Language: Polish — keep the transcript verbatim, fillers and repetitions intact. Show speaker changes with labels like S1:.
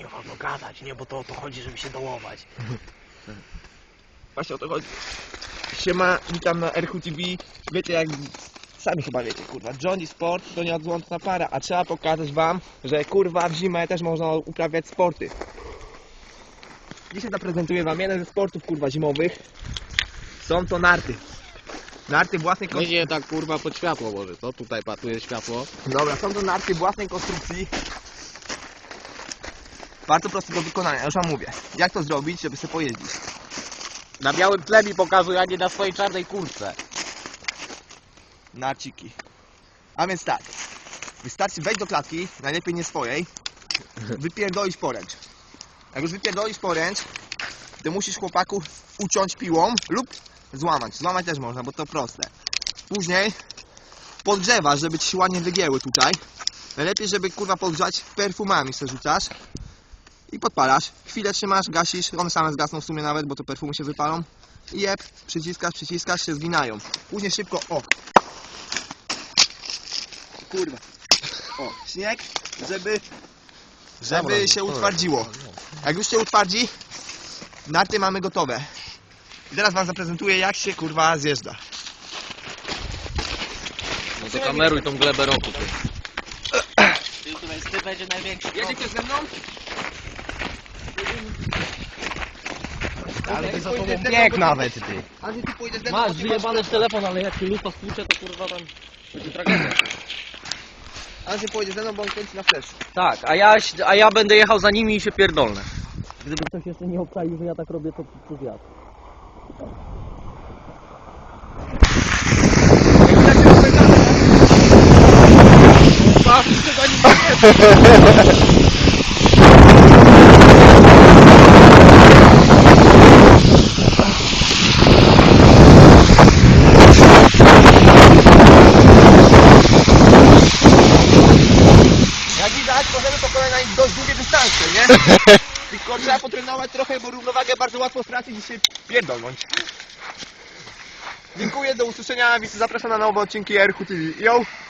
S1: kurwa, no gadać, nie? Bo to o to chodzi, żeby się dołować.
S2: Właśnie o to chodzi. Siema, witam na R H T V. Wiecie jak... Sami chyba wiecie, kurwa, Johnny Sport to nieodłączna para, a trzeba pokazać wam, że kurwa w zimę też można uprawiać sporty. Dzisiaj zaprezentuję wam jeden ze sportów kurwa zimowych. Są to narty. Narty własnej konstrukcji.
S1: Będzie tak kurwa pod światło może, co? Tutaj patuje światło.
S2: Dobra, są to narty własnej konstrukcji. Bardzo proste do wykonania, już wam mówię. Jak to zrobić, żeby sobie pojeździć?
S1: Na białym tle mi pokazuj, a nie na swojej czarnej kurtce.
S2: Narciki. A więc tak. Wystarczy wejść do klatki, najlepiej nie swojej. Wypierdolić poręcz. Jak już wypierdolisz poręcz, to musisz chłopaku uciąć piłą lub złamać. Złamać też można, bo to proste. Później podgrzewasz, żeby ci się ładnie wygięły tutaj. Najlepiej, żeby kurwa podgrzać perfumami se rzucasz. I podpalasz. Chwilę trzymasz, gasisz. One same zgasną w sumie nawet, bo to perfumy się wypalą. I jeb, przyciskasz, przyciskasz, się zginają. Później szybko, o. Kurwa. O, śnieg, żeby żeby się utwardziło. Jak już się utwardzi, narty mamy gotowe. I teraz wam zaprezentuję, jak się kurwa zjeżdża.
S1: No to kameruj tą glebę roku. Ty, ty, ty będzie największy.
S2: Jedziecie ze mną?
S1: Ale to za tobą
S2: bieg
S1: bieg nawet, ty.
S2: A ty pójdziesz ze mną,
S1: Masz
S2: bo ty
S1: wyjebany w telefon, ale jak się lufa stłucze, to kurwa tam będzie tragedia.
S2: A ty pójdziesz ze mną, bo on kręci na flash.
S1: Tak, a ja, a ja będę jechał za nimi i się pierdolnę. Gdyby ktoś jeszcze nie obczaił, że ja tak robię, to przez wiatr.
S2: Jak widać, możemy pokonać na nich dość długie dystanse, nie? Tylko trzeba potrenować trochę, bo równowagę bardzo łatwo stracić i się pierdolnąć. Dziękuję, do usłyszenia, zapraszam na nowe odcinki R H T V. Yo!